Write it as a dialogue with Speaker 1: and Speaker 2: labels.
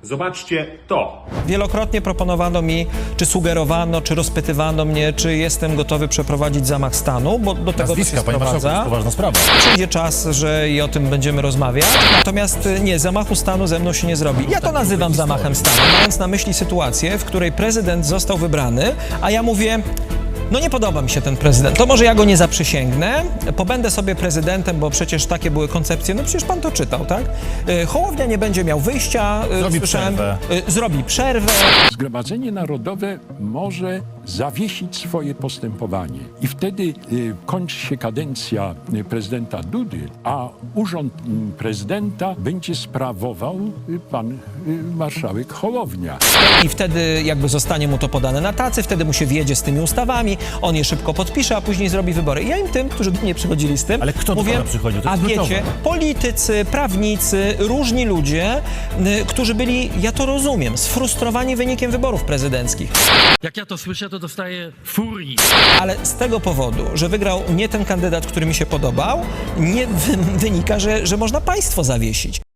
Speaker 1: Zobaczcie to.
Speaker 2: Wielokrotnie proponowano mi, czy sugerowano, czy rozpytywano mnie, czy jestem gotowy przeprowadzić zamach stanu, bo do tego to się
Speaker 3: Nazwiska, panie marszałku, to
Speaker 2: sprowadza.
Speaker 3: jest poważna sprawa.
Speaker 2: Przyjdzie czas, że i o tym będziemy rozmawiać. Natomiast nie, zamachu stanu ze mną się nie zrobi. Ja to nazywam zamachem stanu, mając na myśli sytuację, w której prezydent został wybrany, a ja mówię, no nie podoba mi się ten prezydent, to może ja go nie zaprzysięgnę, pobędę sobie prezydentem, bo przecież takie były koncepcje, no przecież pan to czytał, tak? Hołownia nie będzie miał wyjścia,
Speaker 3: Zrobi przerwę.
Speaker 2: Zrobi przerwę.
Speaker 4: Zgromadzenie Narodowe może zawiesić swoje postępowanie i wtedy kończy się kadencja prezydenta Dudy, a urząd prezydenta będzie sprawował pan marszałek Hołownia.
Speaker 2: I wtedy jakby zostanie mu to podane na tacy, wtedy mu się wjedzie z tymi ustawami, on je szybko podpisze, a później zrobi wybory. I ja im tym, którzy do mnie przychodzili z tym,
Speaker 3: Ale kto do
Speaker 2: mówię,
Speaker 3: pana przychodził? To
Speaker 2: a
Speaker 3: jest
Speaker 2: wiecie,
Speaker 3: kluczowe.
Speaker 2: politycy, prawnicy, różni ludzie, którzy byli, ja to rozumiem, sfrustrowani wynikiem wyborów prezydenckich.
Speaker 5: Jak ja to słyszę, to dostaję furii.
Speaker 2: Ale z tego powodu, że wygrał nie ten kandydat, który mi się podobał, nie wynika, że można państwo zawiesić.